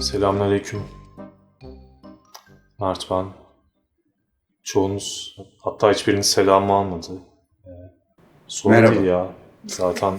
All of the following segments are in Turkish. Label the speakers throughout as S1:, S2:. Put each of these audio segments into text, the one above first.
S1: Selamünaleyküm. Mert ben. Çoğunuz, hatta hiçbiriniz selamımı almadı. Sorun
S2: Merhaba.
S1: değil ya. Zaten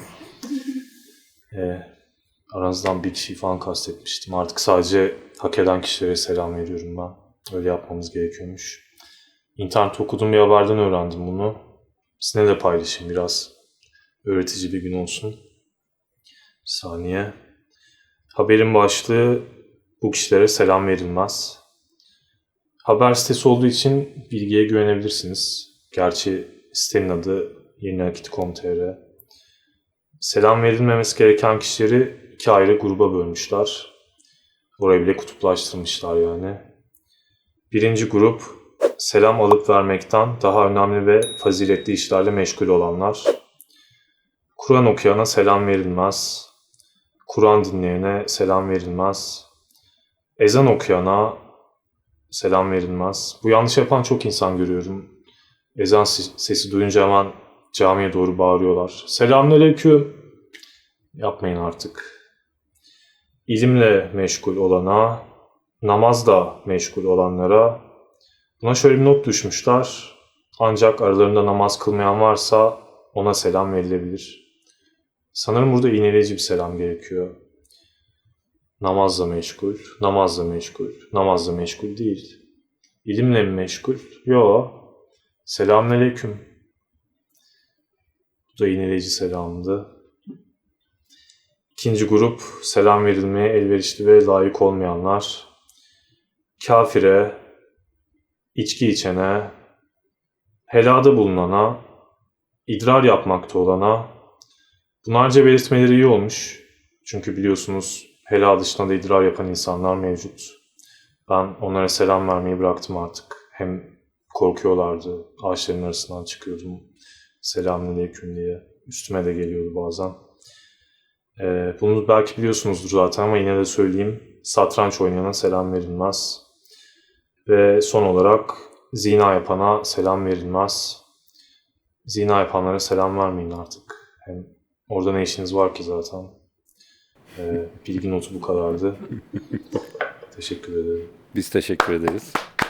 S1: aranızdan bir kişiyi falan kastetmiştim. Artık sadece hak eden kişilere selam veriyorum ben. Öyle yapmamız gerekiyormuş. İnternette okuduğum bir haberden öğrendim bunu. Sizinle de paylaşayım biraz. Öğretici bir gün olsun. Bir saniye. Haberin başlığı: bu kişilere selam verilmez. Haber sitesi olduğu için bilgiye güvenebilirsiniz. Gerçi sitenin adı yeniakit.com.tr. Selam verilmemesi gereken kişileri iki ayrı gruba bölmüşler. Orayı bile kutuplaştırmışlar yani. Birinci grup, selam alıp vermekten daha önemli ve faziletli işlerle meşgul olanlar. Kur'an okuyana selam verilmez. Kur'an dinleyene selam verilmez. Ezan okuyana selam verilmez. Bu yanlış yapan çok insan görüyorum. Ezan sesi duyunca hemen camiye doğru bağırıyorlar. Selamünaleyküm. Yapmayın artık. İlimle meşgul olana, namazla meşgul olanlara buna şöyle bir not düşmüşler. Ancak aralarında namaz kılmayan varsa ona selam verilebilir. Sanırım burada iğneleyici bir selam gerekiyor. Namazla meşgul, namazla meşgul, namazla meşgul değil. İlimle mi meşgul? Yo. Selamünaleyküm. Bu da iğneleyici selamdı. İkinci grup, selam verilmeye elverişli ve layık olmayanlar. Kafire, içki içene, helada bulunana, idrar yapmakta olana. Bunlarca belirtmeleri iyi olmuş. Çünkü biliyorsunuz helal dışında da idrar yapan insanlar mevcut. Ben onlara selam vermeyi bıraktım artık. Hem korkuyorlardı. Ağaçların arasından çıkıyordum. Selamünaleyküm diye. Üstüme de geliyordu bazen. Bunu belki biliyorsunuzdur zaten ama yine de söyleyeyim. Satranç oynayana selam verilmez. Ve son olarak zina yapana selam verilmez. Zina yapanlara selam vermeyin artık. Hem orada ne işiniz var ki zaten. Bilgi notu bu kadardı. Teşekkür ederim.
S2: Biz teşekkür ederiz.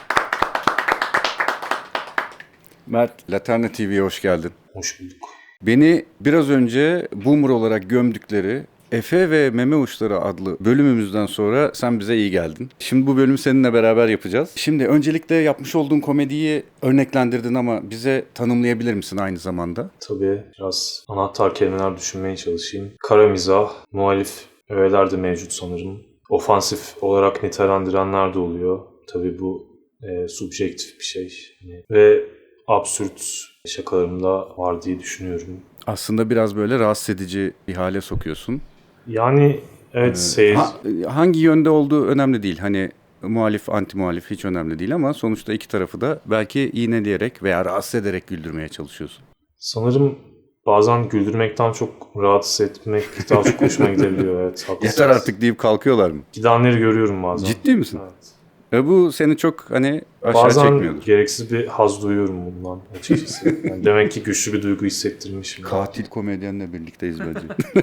S2: Mert, Laterna TV'ye hoş geldin.
S1: Hoş bulduk.
S2: Beni biraz önce boomer olarak gömdükleri Efe ve Meme Uçları adlı bölümümüzden sonra sen bize iyi geldin. Şimdi bu bölümü seninle beraber yapacağız. Şimdi öncelikle yapmış olduğun komediyi örneklendirdin ama bize tanımlayabilir misin aynı zamanda?
S1: Tabii biraz anahtar kelimeler düşünmeye çalışayım. Kara mizah, muhalif öğeler de mevcut sanırım. Ofansif olarak nitelendirenler de oluyor. Tabii bu subjektif bir şey. Ve absürt şakalarım da var diye düşünüyorum.
S2: Aslında biraz böyle rahatsız edici bir hale sokuyorsun.
S1: Yani evet, seyir...
S2: Hangi yönde olduğu önemli değil. Hani muhalif, anti muhalif hiç önemli değil ama sonuçta iki tarafı da belki iğneleyerek veya rahatsız ederek güldürmeye çalışıyorsun.
S1: Sanırım bazen güldürmekten çok rahatsız etmek daha çok hoşuma gidebiliyor. Evet, haklısınız.
S2: Yeter artık deyip kalkıyorlar mı?
S1: Gidenleri görüyorum bazen.
S2: Ciddi misin?
S1: Evet.
S2: Bu seni çok hani aşağı
S1: Bazen
S2: çekmiyordur.
S1: gereksiz bir haz duyuyorum bundan açıkçası. Yani demek ki güçlü bir duygu hissettirmişim.
S2: Katil komedyenle birlikteyiz bence.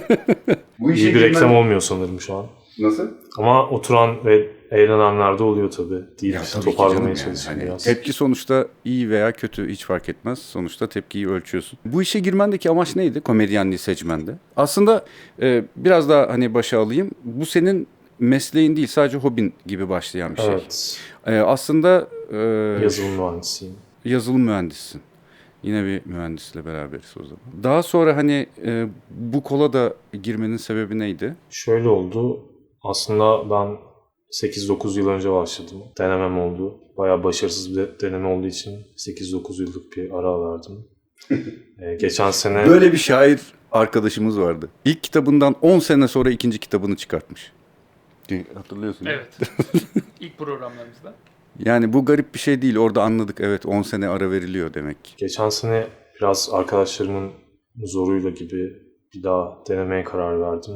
S2: Bu
S1: İyi bir reklam olmuyor sanırım şu an.
S2: Nasıl?
S1: Ama oturan ve eğlenenler de oluyor tabii. Değil, toparlamaya çalışıyorum
S2: Hani
S1: biraz.
S2: tepki sonuçta iyi veya kötü hiç fark etmez. Sonuçta tepkiyi ölçüyorsun. Bu işe girmendeki amaç neydi komedyenliği seçmende? Aslında biraz daha hani başa alayım. Bu senin mesleğin değil, sadece hobin gibi başlayan bir şey.
S1: Evet.
S2: Aslında
S1: Yazılım mühendisiyim.
S2: yazılım mühendisisin. Yine bir mühendisle beraberiz o zaman. Daha sonra hani bu kola da girmenin sebebi neydi?
S1: Şöyle oldu. Aslında ben 8-9 yıl önce başladım. Denemem oldu. Bayağı başarısız bir deneme olduğu için 8-9 yıllık bir ara verdim. Geçen sene...
S2: Böyle bir şair arkadaşımız vardı. İlk kitabından 10 sene sonra ikinci kitabını çıkartmış. Hatırlıyorsun değil mi?
S3: Evet. İlk programlarımızda.
S2: Yani bu garip bir şey değil. Orada anladık. Evet, 10 sene ara veriliyor demek ki.
S1: Geçen sene biraz arkadaşlarımın zoruyla gibi bir daha denemeye karar verdim.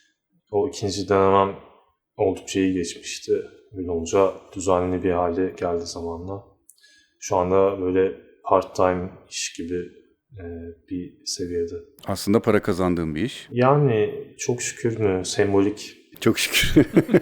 S1: O ikinci denemem oldukça iyi geçmişti. Öyle olunca düzenli bir hale geldi zamanla. Şu anda böyle part-time iş gibi bir seviyede.
S2: Aslında para kazandığım bir iş.
S1: Yani çok şükür mü, sembolik
S2: Çok şükür.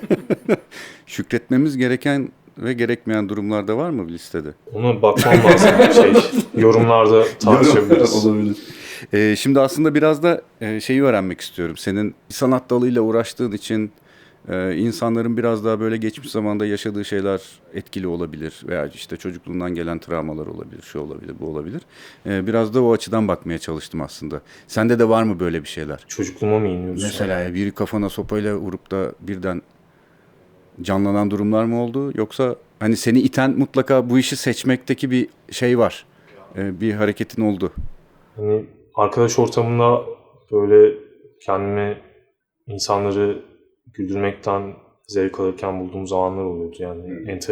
S2: Şükretmemiz gereken ve gerekmeyen durumlarda var mı bir listede?
S1: Ona bakmam lazım. Yorumlarda tartışabiliriz.
S2: Olabilir. Şimdi aslında biraz da şeyi öğrenmek istiyorum. Senin sanat dalıyla uğraştığın için insanların biraz daha böyle geçmiş zamanda yaşadığı şeyler etkili olabilir. Veya işte çocukluğundan gelen travmalar olabilir, şu olabilir, bu olabilir. Biraz da o açıdan bakmaya çalıştım aslında. Sende de var mı böyle bir şeyler?
S1: Çocukluğuma mı iniyoruz?
S2: Mesela biri kafana sopayla vurup da birden canlanan durumlar mı oldu? Yoksa hani seni iten mutlaka bu işi seçmekteki bir şey var. Bir hareketin oldu.
S1: Hani arkadaş ortamında böyle kendimi insanları güldürmekten zevk alırken bulduğum zamanlar oluyordu. Yani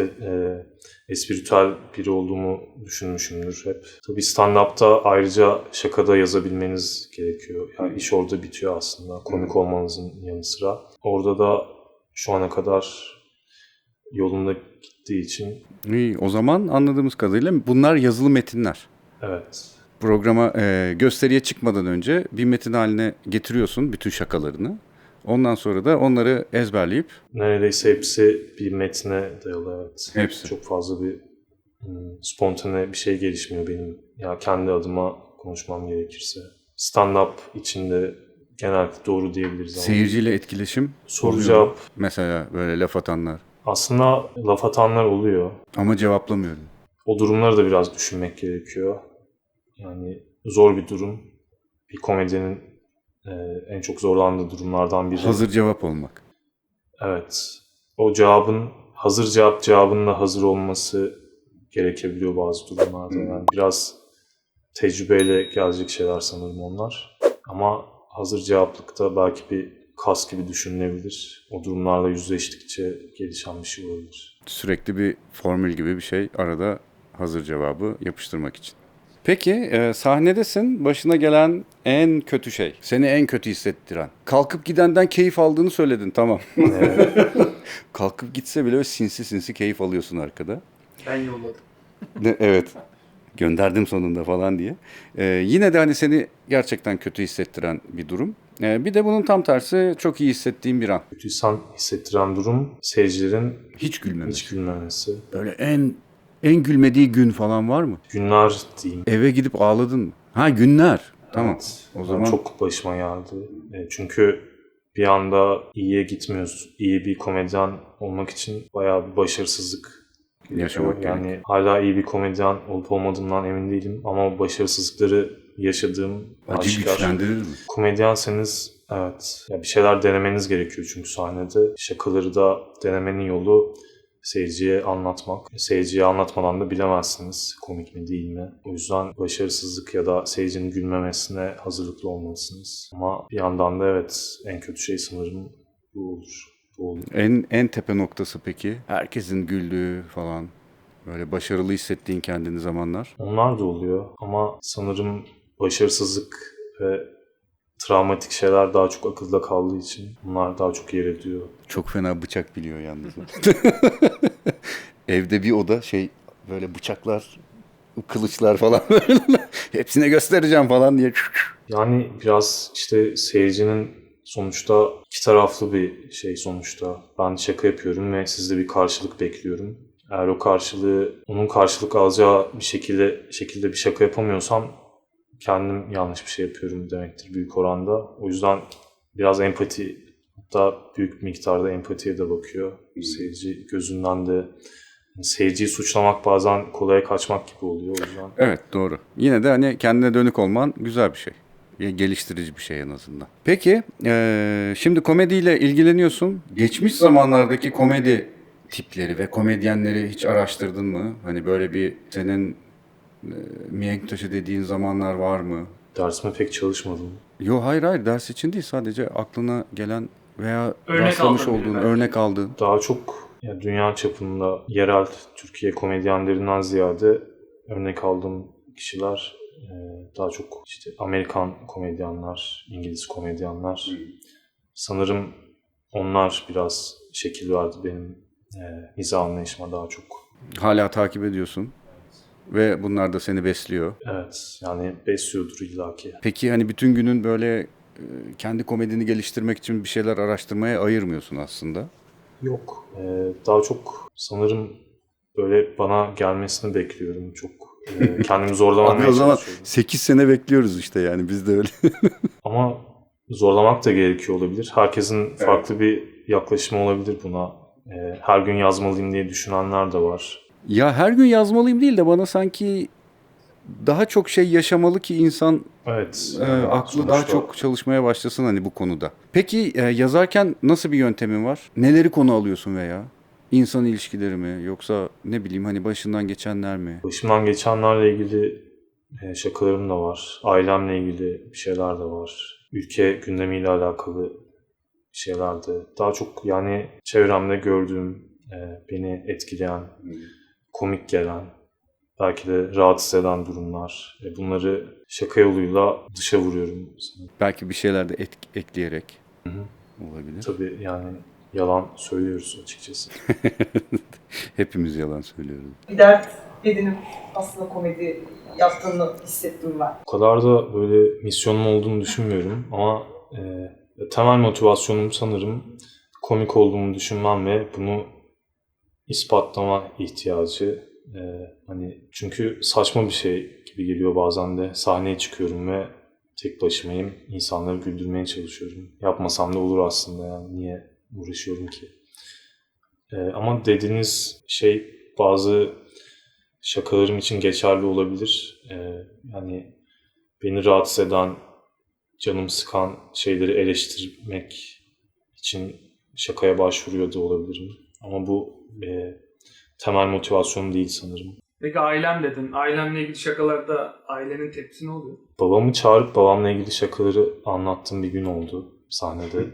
S1: espritüel biri olduğumu düşünmüşümdür hep. Tabii stand-up'ta ayrıca şakada yazabilmeniz gerekiyor. Yani iş orada bitiyor aslında. Komik olmanızın yanı sıra. Orada da şu ana kadar yolunda gittiği için
S2: İyi, o zaman anladığımız kadarıyla bunlar yazılı metinler.
S1: evet.
S2: Programa, gösteriye çıkmadan önce bir metin haline getiriyorsun bütün şakalarını. Ondan sonra da onları ezberleyip...
S1: Neredeyse hepsi bir metne dayalı, evet.
S2: Hepsi.
S1: Çok fazla bir spontane bir şey gelişmiyor benim. Ya kendi adıma konuşmam gerekirse. Stand-up içinde genellikle doğru diyebiliriz ama.
S2: Seyirciyle etkileşim.
S1: Soru
S2: oluyor.
S1: cevap.
S2: Mesela böyle laf atanlar.
S1: Aslında laf atanlar oluyor.
S2: Ama cevaplamıyorum.
S1: O durumları da biraz düşünmek gerekiyor. Yani zor bir durum. Bir komedyenin en çok zorlandığı durumlardan biri.
S2: Hazır cevap olmak.
S1: Evet. O hazır cevabının da hazır olması gerekebiliyor bazı durumlarda. Yani biraz tecrübeyle gelecek şeyler sanırım onlar. Ama hazır cevaplıkta belki bir kas gibi düşünülebilir. O durumlarla yüzleştikçe gelişen bir şey olabilir.
S2: Sürekli bir formül gibi bir şey arada hazır cevabı yapıştırmak için. Peki sahnedesin, başına gelen en kötü şey, seni en kötü hissettiren. Kalkıp gidenden keyif aldığını söyledin, tamam. Kalkıp gitse bile sinsi sinsi keyif alıyorsun arkada.
S3: Ben yolladım.
S2: Evet, gönderdim sonunda falan diye. Yine de hani seni gerçekten kötü hissettiren bir durum. Bir de bunun tam tersi çok iyi hissettiğin bir an.
S1: Kötü hissettiren durum seyircilerin
S2: Hiç gülmemesi.
S1: hiç gülmemesi.
S2: Böyle en gülmediği gün falan var mı?
S1: Günler diyeyim.
S2: Eve gidip ağladın mı? Ha, günler. Tamam.
S1: Evet.
S2: O
S1: Yani
S2: zaman
S1: çok başıma geldi. Çünkü bir anda iyiye gitmiyoruz. İyi bir komedyen olmak için bayağı bir başarısızlık gerekiyor.
S2: Yaşamak
S1: Yani hala iyi bir komedyen olup olmadığımdan emin değilim ama başarısızlıkları yaşadığım
S2: acı
S1: aşikar.
S2: güçlendirir mi?
S1: Komedyenseniz evet, ya bir şeyler denemeniz gerekiyor çünkü sahnede. Şakaları da denemenin yolu seyirciye anlatmak. Seyirciye anlatmadan da bilemezsiniz komik mi değil mi. O yüzden başarısızlık ya da seyircinin gülmemesine hazırlıklı olmalısınız. Ama bir yandan da evet, en kötü şey sanırım bu olur. Bu olur.
S2: En tepe noktası peki? Herkesin güldüğü falan. Böyle başarılı hissettiğin kendini zamanlar.
S1: Onlar da oluyor ama sanırım başarısızlık ve travmatik şeyler daha çok akılda kaldığı için bunlar daha çok yer ediyor.
S2: Çok fena bıçak biliyor yalnız. Evde bir oda böyle bıçaklar, kılıçlar falan hepsine göstereceğim falan diye.
S1: Yani biraz işte seyircinin sonuçta iki taraflı bir şey sonuçta. Ben şaka yapıyorum ve siz de bir karşılık bekliyorum. Eğer onun karşılık alacağı bir şekilde bir şaka yapamıyorsam kendim yanlış bir şey yapıyorum demektir büyük oranda. O yüzden biraz empati, hatta büyük miktarda empatiye de bakıyor. Seyirci gözünden de. Seyirciyi suçlamak bazen kolaya kaçmak gibi oluyor o yüzden.
S2: Evet, doğru. Yine de hani kendine dönük olman güzel bir şey. Geliştirici bir şey en azından. Peki, şimdi komediyle ilgileniyorsun. Geçmiş zamanlardaki komedi tipleri ve komedyenleri hiç araştırdın mı? Hani böyle bir senin mihenk taşı dediğin zamanlar var mı?
S1: Dersime pek çalışmadım.
S2: Yok, hayır, ders için değil, sadece aklına gelen veya
S3: Örnek
S2: rastlamış
S3: aldın
S2: olduğun,
S3: biri
S2: örnek aldığın.
S1: Daha çok ya dünya çapında yerel Türkiye komedyenlerinden ziyade örnek aldığım kişiler daha çok işte Amerikan komedyenler, İngiliz komedyenler. Sanırım onlar biraz şekil verdi benim mizah anlayışıma daha çok.
S2: Hala takip ediyorsun ve bunlar da seni besliyor.
S1: Evet, yani besliyordur illaki.
S2: Peki hani bütün günün böyle kendi komedini geliştirmek için bir şeyler araştırmaya ayırmıyorsun aslında.
S1: Yok. Daha çok sanırım böyle bana gelmesini bekliyorum. Çok kendimi
S2: Abi
S1: zorlamamaya
S2: o zaman
S1: çalışıyorum.
S2: 8 sene bekliyoruz işte yani biz de öyle.
S1: Ama zorlamak da gerekiyor olabilir. Herkesin farklı bir yaklaşımı olabilir buna. Her gün yazmalıyım diye düşünenler de var.
S2: Ya her gün yazmalıyım değil de bana sanki daha çok şey yaşamalı ki insan
S1: Evet.
S2: aklı daha
S1: sonuçta
S2: çok çalışmaya başlasın hani bu konuda. Peki yazarken nasıl bir yöntemin var? Neleri konu alıyorsun veya? İnsan ilişkileri mi yoksa ne bileyim hani başından geçenler mi?
S1: başımdan geçenlerle ilgili şakalarım da var. Ailemle ilgili bir şeyler de var. Ülke gündemiyle alakalı şeyler de. Daha çok yani çevremde gördüğüm, beni etkileyen, komik gelen, belki de rahatsız eden durumlar. Bunları şaka yoluyla dışa vuruyorum.
S2: Belki bir şeyler de ekleyerek
S1: Hı hı.
S2: olabilir.
S1: Tabii yani yalan söylüyoruz açıkçası.
S2: Hepimiz yalan söylüyoruz.
S4: Bir dert edinip aslında komedi yaptığını hissettim ben.
S1: O kadar da böyle misyonum olduğunu düşünmüyorum ama temel motivasyonum sanırım komik olduğumu düşünmem ve bunu ispatlama ihtiyacı. Hani çünkü saçma bir şey gibi geliyor bazen de. Sahneye çıkıyorum ve tek başımayım. İnsanları güldürmeye çalışıyorum. Yapmasam da olur aslında yani. Niye uğraşıyorum ki? Ama dediğiniz şey bazı şakalarım için geçerli olabilir. Yani beni rahatsız eden, canımı sıkan şeyleri eleştirmek için şakaya başvuruyor da olabilirim. Ama bu temel motivasyonum değil sanırım.
S3: Peki ailem dedin. Ailemle ilgili şakalarda ailenin tepkisi ne oluyor?
S1: Babamı çağırıp babamla ilgili şakaları anlattığım bir gün oldu sahnede.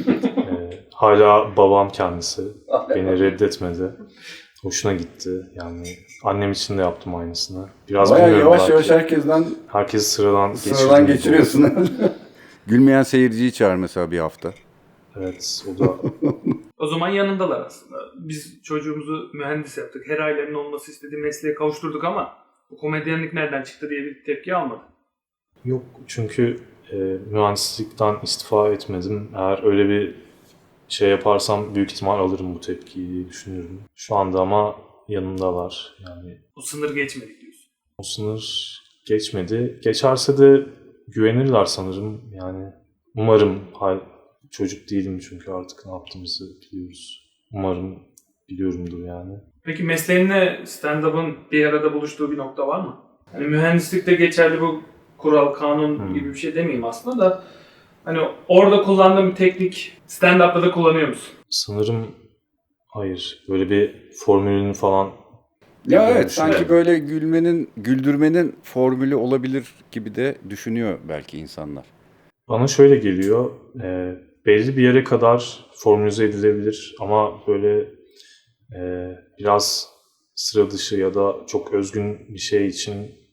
S1: Hala babam kendisi. Beni reddetmedi. Hoşuna gitti. Yani annem için de yaptım aynısını. Biraz
S2: Bayağı
S1: bilmiyorum
S2: yavaş
S1: belki.
S2: yavaş herkesten
S1: Herkes sıradan
S2: sıradan
S1: geçirdiğim
S2: geçiriyorsun. Gülmeyen seyirciyi çağır mesela bir hafta.
S1: Evet, o da
S3: O zaman yanındalar aslında. Biz çocuğumuzu mühendis yaptık. Her ailenin olması istediği mesleğe kavuşturduk ama bu komedyenlik nereden çıktı diye bir tepki almadı.
S1: yok. Çünkü mühendislikten istifa etmedim. Eğer öyle bir şey yaparsam büyük ihtimal alırım bu tepkiyi diye düşünüyorum. Şu anda ama yanındalar. Yani
S3: O sınır geçmedik diyorsun.
S1: o sınır geçmedi. Geçerse de güvenirler sanırım. Yani umarım çocuk değilim çünkü artık ne yaptığımızı biliyoruz. Umarım biliyorumdur yani.
S3: Peki mesleğinle stand-up'ın bir arada buluştuğu bir nokta var mı? Hani mühendislikte geçerli bu kural, kanun gibi bir şey demeyeyim aslında da hani orada kullandığın bir teknik stand-up'ta da kullanıyor musun?
S1: Sanırım hayır. Böyle bir formülünü falan
S2: Ya
S1: böyle
S2: evet
S1: düşünüyorum.
S2: sanki böyle güldürmenin formülü olabilir gibi de düşünüyor belki insanlar.
S1: Bana şöyle geliyor. Belli bir yere kadar formülize edilebilir ama böyle biraz sıra dışı ya da çok özgün bir şey için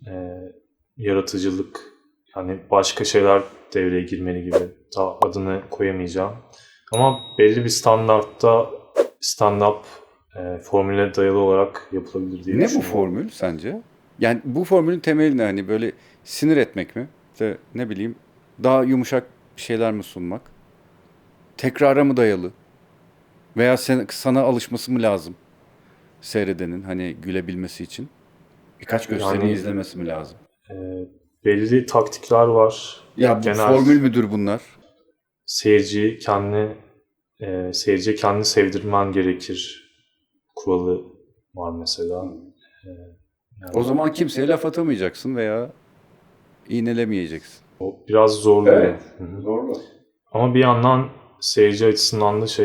S1: yaratıcılık yani başka şeyler devreye girmeli gibi. Daha adını koyamayacağım. Ama belli bir standartta stand-up formüle dayalı olarak yapılabilir diye
S2: Ne bu
S1: düşünüyorum.
S2: formül sence? Yani bu formülün temeli ne? Hani böyle sinir etmek mi? İşte ne bileyim daha yumuşak bir şeyler mi sunmak? Tekrara mı dayalı? Veya sana alışması mı lazım? Seyredenin hani gülebilmesi için. Birkaç gösteri
S1: Yani-
S2: izlemesi mi lazım?
S1: Belli taktikler var.
S2: Ya bu
S1: Genel
S2: formül müdür bunlar?
S1: seyirciyi seyirciye kendini sevdirmen gerekir kuralı var mesela. Yani
S2: O zaman kimseye laf atamayacaksın veya iğnelemeyeceksin.
S1: o biraz zorluyor.
S2: Evet.
S1: Hı hı.
S2: Doğru.
S1: Ama bir yandan seyirci açısından da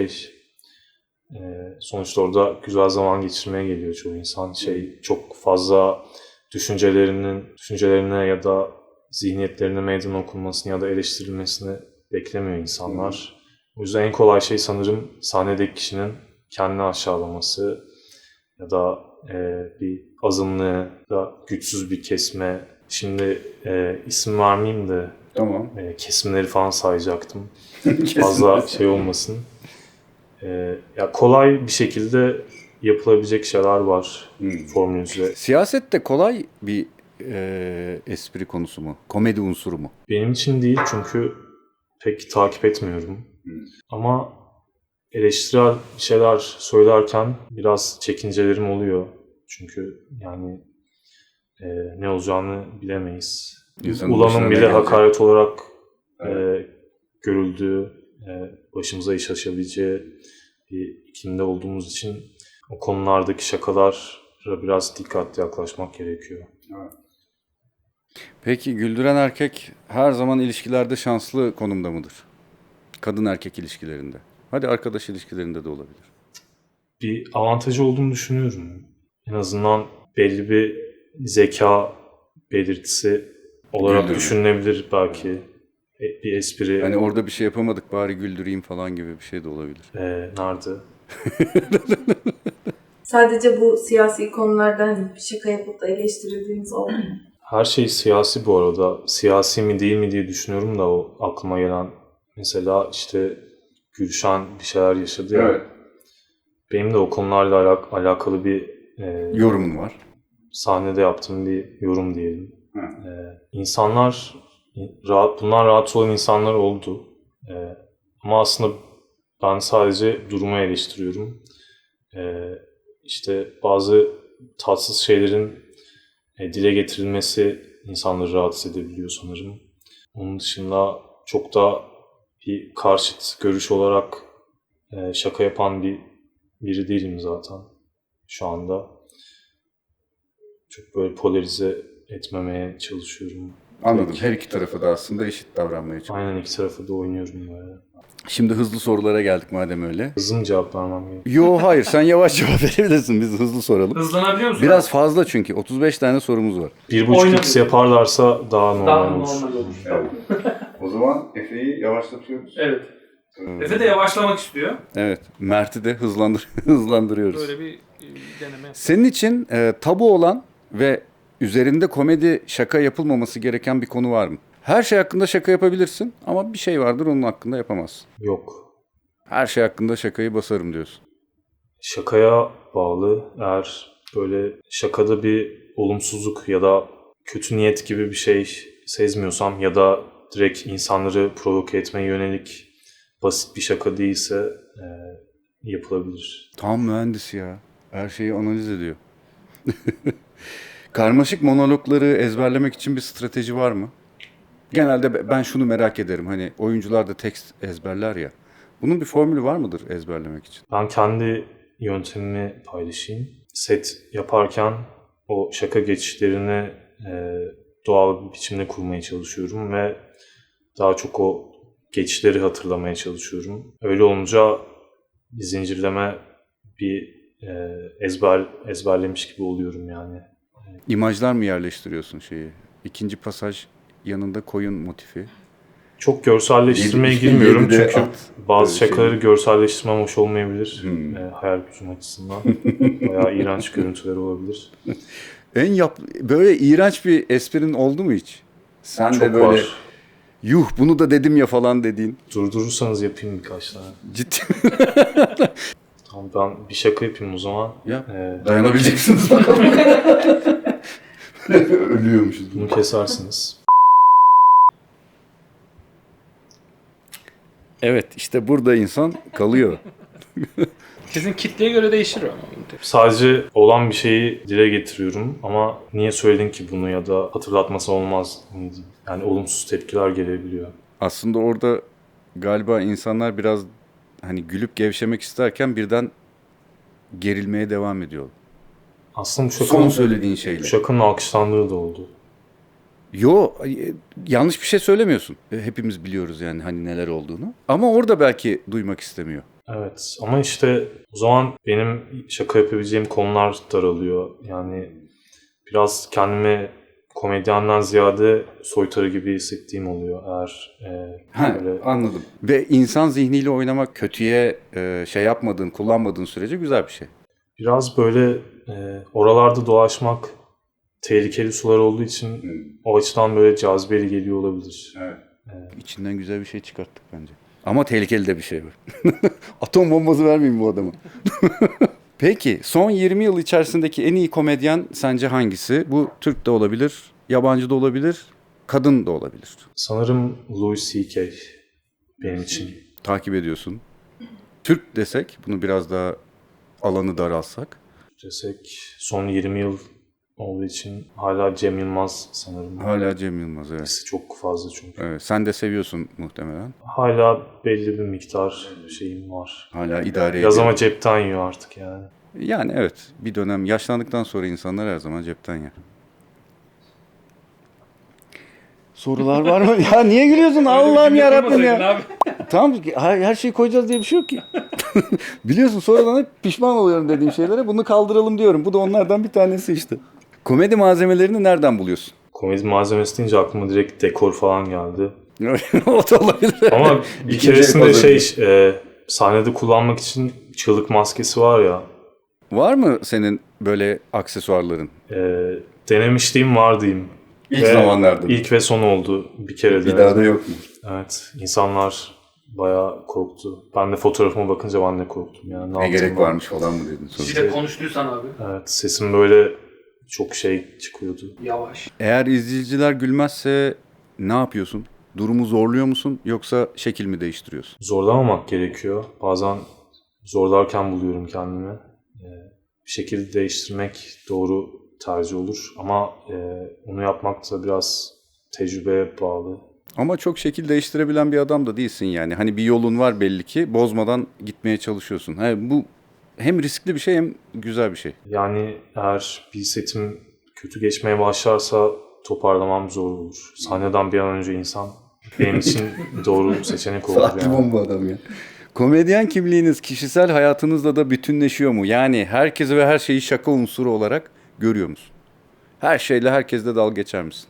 S1: sonuçta orada güzel zaman geçirmeye geliyor çoğu insan. Çok fazla düşüncelerine ya da zihniyetlerine meydan okunmasını ya da eleştirilmesini beklemiyor insanlar. O yüzden en kolay şey sanırım sahnedeki kişinin kendini aşağılaması ya da bir azınlığı da güçsüz bir kesme. Şimdi isim vermeyeyim de
S2: Tamam.
S1: kesimleri falan sayacaktım. Fazla şey olmasın. Ya kolay bir şekilde yapılabilecek şeyler var formülüze.
S2: Siyaset de kolay bir espri konusu mu? Komedi unsuru mu?
S1: Benim için değil çünkü pek takip etmiyorum. Ama eleştirel bir şeyler söylerken biraz çekincelerim oluyor. Çünkü yani ne olacağını bilemeyiz.
S2: İnsanın başına
S1: Ulan'ın
S2: ne
S1: bile
S2: gelecek?
S1: hakaret olarak görüldüğü, başımıza iş açabileceği bir iklimde olduğumuz için o konulardaki şakalara biraz dikkatli yaklaşmak gerekiyor.
S2: Peki güldüren erkek her zaman ilişkilerde şanslı konumda mıdır? Kadın erkek ilişkilerinde. Hadi arkadaş ilişkilerinde de olabilir.
S1: Bir avantajı olduğunu düşünüyorum. En azından belli bir zeka belirtisi olarak
S2: Güldürme.
S1: düşünülebilir belki. Bir espri
S2: Hani orada bir şey yapamadık bari güldüreyim falan gibi bir şey de olabilir.
S1: nerede?
S5: Sadece bu siyasi konularda hani bir şaka yapıp da eleştirildiğiniz oldu mu?
S1: Her şey siyasi bu arada. Siyasi mi değil mi diye düşünüyorum da o aklıma gelen. Mesela işte Gülşen bir şeyler yaşadı ya. Benim de o konularla alakalı bir
S2: Yorumun var.
S1: sahnede yaptığım bir yorum diyelim. İnsanlar, bundan rahatsız olan insanlar oldu. Ama aslında ben sadece durumu eleştiriyorum. İşte bazı tatsız şeylerin dile getirilmesi insanları rahatsız edebiliyor sanırım. Onun dışında çok da bir karşıt görüş olarak şaka yapan biri değilim zaten şu anda. Çok böyle polarize etmemeye çalışıyorum.
S2: Anladım. Her iki tarafı da aslında eşit davranmaya çalışıyor.
S1: Aynen, iki tarafı da oynuyorum böyle.
S2: Şimdi hızlı sorulara geldik madem öyle.
S1: Hızlı mı cevap vermem gerekiyor?
S2: Yo hayır sen yavaş cevap verebilirsin. Biz hızlı soralım.
S3: Hızlanabiliyor musun?
S2: Biraz fazla çünkü. 35 tane sorumuz var.
S1: 1.5x yaparlarsa daha normal
S3: daha
S1: olur.
S3: normal olur.
S2: O zaman Efe'yi yavaşlatıyoruz.
S3: Evet. Efe de yavaşlamak istiyor.
S2: Evet. Mert'i de hızlandırıyoruz.
S3: Böyle bir deneme.
S2: Senin için tabu olan ve üzerinde komedi şaka yapılmaması gereken bir konu var mı? Her şey hakkında şaka yapabilirsin ama bir şey vardır onun hakkında yapamazsın.
S1: Yok.
S2: Her şey hakkında şakayı basarım diyorsun.
S1: Şakaya bağlı. Eğer böyle şakada bir olumsuzluk ya da kötü niyet gibi bir şey sezmiyorsam ya da direkt insanları provoke etmeye yönelik basit bir şaka değilse yapılabilir.
S2: Tam mühendis ya. Her şeyi analiz ediyor. Karmaşık monologları ezberlemek için bir strateji var mı? Genelde ben şunu merak ederim. Hani oyuncular da tekst ezberler ya. Bunun bir formülü var mıdır ezberlemek için?
S1: Ben kendi yöntemimi paylaşayım. Set yaparken o şaka geçişlerini doğal bir biçimde kurmaya çalışıyorum ve daha çok o geçişleri hatırlamaya çalışıyorum. Öyle olunca bir zincirleme, bir ezberlemiş gibi oluyorum yani.
S2: İmajlar mı yerleştiriyorsun şeyi? İkinci pasaj yanında koyun motifi.
S1: Çok görselleştirmeye
S2: Yedi-
S1: girmiyorum
S2: yedide
S1: çünkü
S2: at,
S1: bazı
S2: böyle
S1: şakaları görselleştirmem hoş olmayabilir.
S2: Hmm.
S1: Hayal gücüm açısından. Bayağı iğrenç görüntüler olabilir.
S2: Böyle iğrenç bir esprin oldu mu hiç? Sen
S1: Çok
S2: de böyle
S1: var.
S2: yuh bunu da dedim ya falan dediğin.
S1: Durdurursanız yapayım birkaç tane.
S2: Ciddi.
S1: Tamam, ben bir şaka yapayım o zaman.
S2: Ya,
S1: Ee,
S2: Dayanabileceksiniz bakalım. Ölüyormuşuz.
S1: Bunu kesersiniz.
S2: Evet işte burada insan kalıyor.
S3: Sizin kitleye göre değişir ama.
S1: Sadece olan bir şeyi dile getiriyorum ama niye söyledin ki bunu ya da hatırlatması olmaz mıydı? Yani olumsuz tepkiler gelebiliyor.
S2: Aslında orada galiba insanlar biraz hani gülüp gevşemek isterken birden gerilmeye devam ediyor.
S1: Aslında bu
S2: Son
S1: şakanın,
S2: söylediğin şeyle.
S1: bu şakanın alkışlandığı da oldu.
S2: Yo, yanlış bir şey söylemiyorsun. Hepimiz biliyoruz yani hani neler olduğunu. Ama orada belki duymak istemiyor.
S1: Evet ama işte o zaman benim şaka yapabileceğim konular daralıyor. Yani biraz kendimi komedyenden ziyade soytarı gibi hissettiğim oluyor eğer böyle...
S2: Anladım. Ve insan zihniyle oynamak kötüye şey yapmadığın, kullanmadığın sürece güzel bir şey.
S1: Biraz böyle oralarda dolaşmak tehlikeli sular olduğu için o açıdan böyle cazibeli geliyor olabilir.
S2: İçinden güzel bir şey çıkarttık bence. Ama tehlikeli de bir şey var. Atom bombası vermeyeyim bu adama. Peki son 20 yıl içerisindeki en iyi komedyen sence hangisi? Bu Türk de olabilir, yabancı da olabilir, kadın da olabilir.
S1: Sanırım Louis C.K. benim için.
S2: Takip ediyorsun. Türk desek, bunu biraz daha alanı daralsak.
S1: Desek son 20 yıl olduğu için hala Cem Yılmaz sanırım.
S2: Hala Cem Yılmaz, evet.
S1: Etkisi çok fazla çünkü.
S2: Evet, sen de seviyorsun muhtemelen.
S1: Hala belli bir miktar şeyim var.
S2: Hala idare
S1: Biraz
S2: ediyor.
S1: ama cepten yiyor artık yani.
S2: Yani evet, bir dönem yaşlandıktan sonra insanlar her zaman cepten yer. Sorular var mı? Ya niye gülüyorsun? Allah'ım yarabbim ya. Tamam, her şeyi koyacağız diye bir şey yok ki. Biliyorsun, sonradan hep pişman oluyorum dediğim şeylere. Bunu kaldıralım diyorum. Bu da onlardan bir tanesi işte. Komedi malzemelerini nereden buluyorsun?
S1: Komedi malzemesi deyince aklıma direkt dekor falan geldi.
S2: O da olabilir.
S1: Ama bir
S2: İkinci
S1: keresinde
S2: el
S1: sahnede kullanmak için çığlık maskesi var ya.
S2: Var mı senin böyle aksesuarların?
S1: Denemişliğim var diyeyim.
S2: İlk zamanlarda.
S1: İlk ve son oldu. Bir kere
S2: Bir
S1: denedim.
S2: daha da yok mu?
S1: Evet. İnsanlar bayağı korktu. Ben de fotoğrafıma bakınca ben de korktum. Yani
S2: Ne gerek varmış falan mı dedin
S3: Bir
S2: sonra?
S3: de konuştuysan abi.
S1: Evet. Sesim böyle çok şey çıkıyordu.
S3: Yavaş.
S2: Eğer izleyiciler gülmezse ne yapıyorsun? Durumu zorluyor musun yoksa şekil mi değiştiriyorsun?
S1: Zorlamamak gerekiyor. Bazen zorlarken buluyorum kendimi. Bir şekilde değiştirmek doğru tercih olur. Ama onu yapmak da biraz tecrübeye bağlı.
S2: Ama çok şekil değiştirebilen bir adam da değilsin yani. Hani bir yolun var belli ki, bozmadan gitmeye çalışıyorsun. Bu hem riskli bir şey hem güzel bir şey.
S1: Yani eğer bir setim kötü geçmeye başlarsa toparlamam zor olur. Sahneden bir an önce insan benim için doğru seçenek olur. Yani.
S2: adam ya. Komedyen kimliğiniz kişisel hayatınızla da bütünleşiyor mu? Yani herkesi ve her şeyi şaka unsuru olarak görüyor musun? Her şeyle herkesle dalga geçer misin?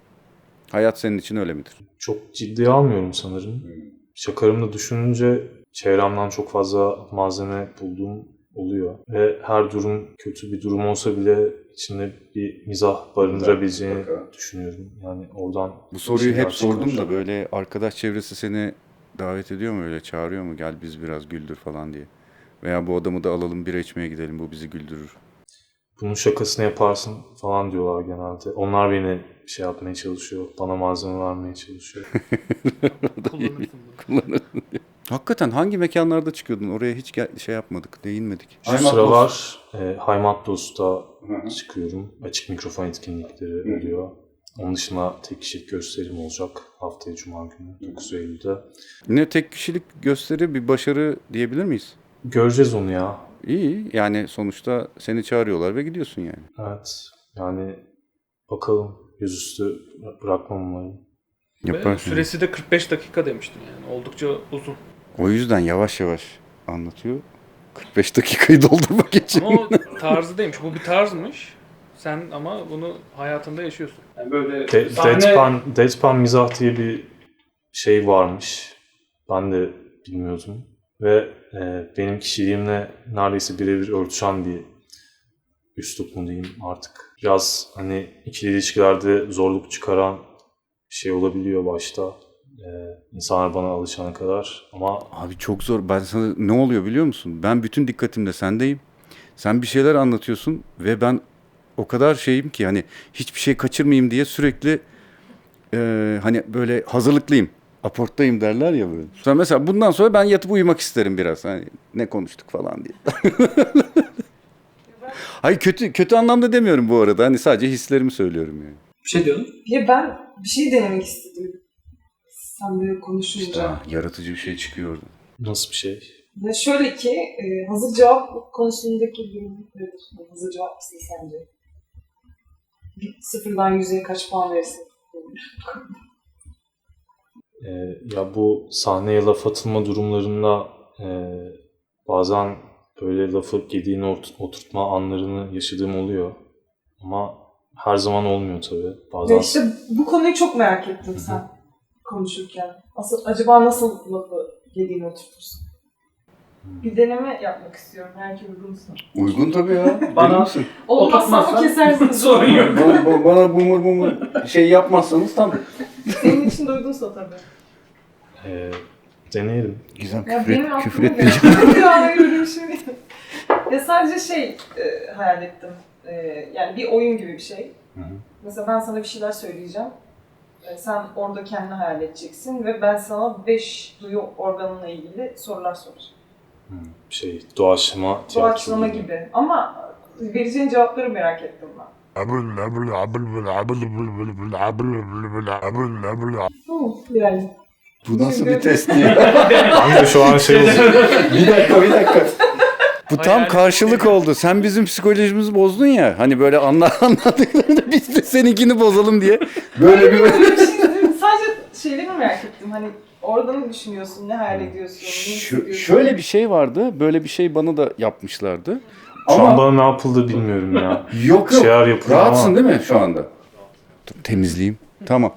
S2: Hayat senin için öyle midir?
S1: Çok ciddiye almıyorum sanırım. Şakarımda düşününce çevremden çok fazla malzeme bulduğum oluyor. Ve her durum kötü bir durum olsa bile içinde bir mizah barındırabileceğini düşünüyorum. Yani oradan...
S2: Bu soruyu
S1: şeyler
S2: hep sordum
S1: çıkar.
S2: da böyle arkadaş çevresi seni davet ediyor mu, öyle çağırıyor mu, gel biz biraz güldür falan diye. Veya bu adamı da alalım bira içmeye gidelim, bu bizi güldürür.
S1: Bunun şakasını yaparsın falan diyorlar genelde. Onlar beni şey yapmaya çalışıyor. Bana malzeme vermeye çalışıyor.
S3: Kullanırsın.
S2: Hakikaten hangi mekanlarda çıkıyordun? Oraya hiç şey yapmadık, değinmedik.
S1: Şu sıralar Haymatlos'ta çıkıyorum. Açık mikrofon etkinlikleri oluyor. Onun dışında tek kişilik gösterim olacak haftaya Cuma günü 9 Eylül'de.
S2: Yine tek kişilik gösteri bir başarı diyebilir miyiz?
S1: Göreceğiz onu ya.
S2: İyi, yani sonuçta seni çağırıyorlar ve gidiyorsun yani.
S1: Evet. Yani bakalım, yüzüstü bırakmam umarım.
S3: Ve
S2: Yaparsın.
S3: süresi de 45 dakika demiştin yani. Oldukça uzun.
S2: O yüzden yavaş yavaş anlatıyor. 45 dakikayı doldurmak için.
S3: Ama o tarzı değilmiş. Bu bir tarzmış. Sen ama bunu hayatında yaşıyorsun. Yani böyle
S1: Deadpan mizah diye bir şey varmış. Ben de bilmiyordum. Ve benim kişiliğimle neredeyse birebir örtüşen bir üslup mu diyeyim artık. Biraz hani ikili ilişkilerde zorluk çıkaran bir şey olabiliyor başta. İnsanlar bana alışana kadar ama
S2: Abi çok zor. Ben sana ne oluyor biliyor musun? Ben bütün dikkatimle sendeyim. Sen bir şeyler anlatıyorsun ve ben o kadar şeyim ki hani hiçbir şey kaçırmayayım diye sürekli hani böyle hazırlıklıyım. Aporttayım derler ya böyle. Sonra mesela bundan sonra ben yatıp uyumak isterim biraz. Hani ne konuştuk falan diye. Hayır, kötü anlamda demiyorum bu arada. Hani sadece hislerimi söylüyorum yani.
S3: bir şey diyordun.
S4: Ya ben bir şey denemek istedim. Sen böyle konuşunca.
S2: Yaratıcı bir şey çıkıyor orada.
S1: nasıl bir şey?
S4: Ya şöyle ki hazır cevap konusundaki durum nedir? Hazır cevap mısın sence? Sıfırdan 100'e kaç puan verirsin?
S1: Ya bu sahneye laf atılma durumlarında bazen böyle lafı gediğini oturtma anlarını yaşadığım oluyor. Ama her zaman olmuyor tabii. Bazen
S4: Ya işte bu konuyu çok merak ettim sen konuşurken. Acaba nasıl lafı yediğini oturtursun? Bir deneme yapmak istiyorum. Belki uygunsa.
S2: Uygun tabii ya.
S3: Bana-
S4: Olmazsa mı
S3: Oturtmazsan
S4: kesersin?
S3: sorun yok.
S2: Bana bumur şey yapmazsanız tam.
S4: Senin için de uygunsa tabii.
S1: deneyelim.
S2: Gizem
S4: Ya benim
S2: küfür
S4: aklıma
S2: etmeyeceğim.
S4: geldi. Ya öyle bir şey. Ya sadece hayal ettim. Yani bir oyun gibi bir şey. Mesela ben sana bir şeyler söyleyeceğim. Sen orada kendini hayal edeceksin ve ben sana 5 duyu organınla ilgili sorular soracağım.
S1: Doğaçlama tiyatro
S4: Doğaçlama gibi. Ama vereceğin cevapları merak ettim ben. Yani.
S2: Bu nasıl bir test ya?
S1: Ben de şu an şey oldu.
S2: Bir dakika. Bu tam karşılık oldu. Sen bizim psikolojimizi bozdun ya. Hani böyle anladıklarında biz de seninkini bozalım diye. Böyle bir...
S4: Sadece şeyleri merak ettim. Hani orada ne düşünüyorsun, ne hayal ediyorsun, ne hissediyorsun?
S2: Şöyle bir şey vardı. Böyle bir şey bana da yapmışlardı.
S1: Şu an bana ne yapıldı bilmiyorum ya.
S2: Yok.
S1: Şeyler yapılıyor
S2: Rahatsın
S1: ama.
S2: değil mi şu anda? Dur, temizleyeyim. Tamam.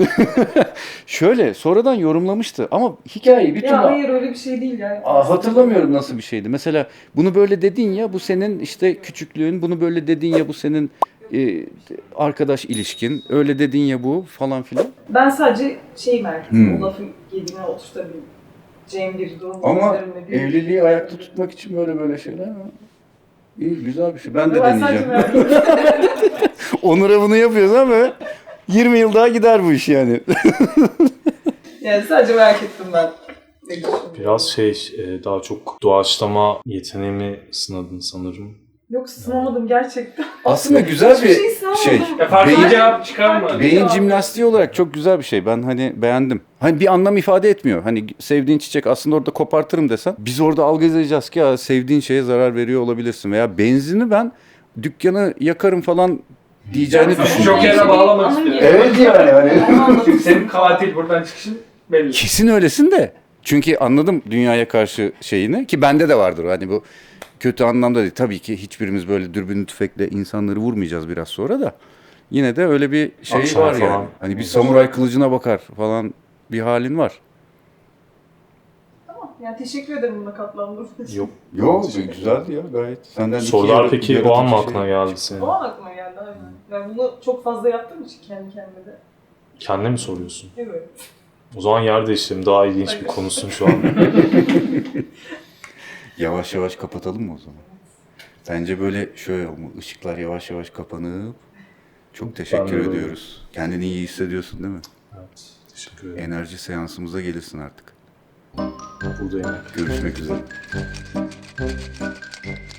S2: Şöyle sonradan yorumlamıştı ama hikayeyi bir türlü...
S4: Ya hayır öyle bir şey değil ya.
S2: Hatırlamıyorum nasıl bir şeydi. Mesela bunu böyle dedin ya bu senin işte küçüklüğün, bunu böyle dedin ya bu senin arkadaş ilişkin, öyle dedin ya bu falan filan.
S4: Ben sadece merak ettim. O lafı yediğine oturtabileceğim bir durum.
S2: Ama
S4: üzerinde bir-
S2: evliliği ayakta tutmak için böyle şeyler mi? İyi, güzel bir şey. Ben de
S4: Ben sadece
S2: deneyeceğim.
S4: merak ettim.
S2: Onur'a bunu yapıyoruz ama 20 yıl daha gider bu iş yani.
S4: Yani sadece merak ettim ben.
S1: Biraz daha çok doğaçlama yeteneğimi sınadın sanırım.
S4: Yok sınamadım gerçekten.
S2: Aslında güzel
S4: Hiçbir
S2: bir
S4: şey sınamadım.
S2: şey.
S3: Ya farklı
S2: Beyin-
S3: bir cevap çıkarma.
S2: Beyin jimnastiği olarak çok güzel bir şey. Ben hani beğendim. Hani bir anlam ifade etmiyor. Hani sevdiğin çiçek aslında orada kopartırım desen. Biz orada algılayacağız ki ya sevdiğin şeye zarar veriyor olabilirsin. Veya benzini ben dükkanı yakarım falan diyeceğini
S3: Çok
S2: düşünüyorum.
S3: yere bağlamak istiyorum.
S2: Evet yani.
S3: Çünkü senin katil buradan çıkışın belli.
S2: Kesin öylesin de. Çünkü anladım dünyaya karşı şeyini ki bende de vardır hani bu kötü anlamda değil. Tabii ki hiçbirimiz böyle dürbünlü tüfekle insanları vurmayacağız biraz sonra da. Yine de öyle bir şey
S1: Akşam
S2: var
S1: falan.
S2: yani. Hani bir samuray kılıcına bakar falan bir halin var.
S4: Tamam. Yani teşekkür ederim buna katlandığınız için.
S1: Yok.
S2: Yok güzeldi ya gayet. Senden
S1: Sorular peki o an mı aklına geldi senin?
S4: O an aklıma geldi aynen. Yani bunu çok fazla yaptığım için kendi kendime de.
S1: Kendine mi soruyorsun?
S4: Evet.
S1: O zaman yer değiştirelim. Daha ilginç bir
S4: Hayır.
S1: konusun şu an.
S2: Yavaş yavaş kapatalım mı o zaman? Bence böyle şöyle olmalı. Işıklar yavaş yavaş kapanıp çok teşekkür
S1: Ben de
S2: ediyoruz. Kendini iyi hissediyorsun değil mi?
S1: Evet. Teşekkür ederim.
S2: Enerji seansımıza gelirsin artık.
S1: Buradayım.
S2: Görüşmek üzere.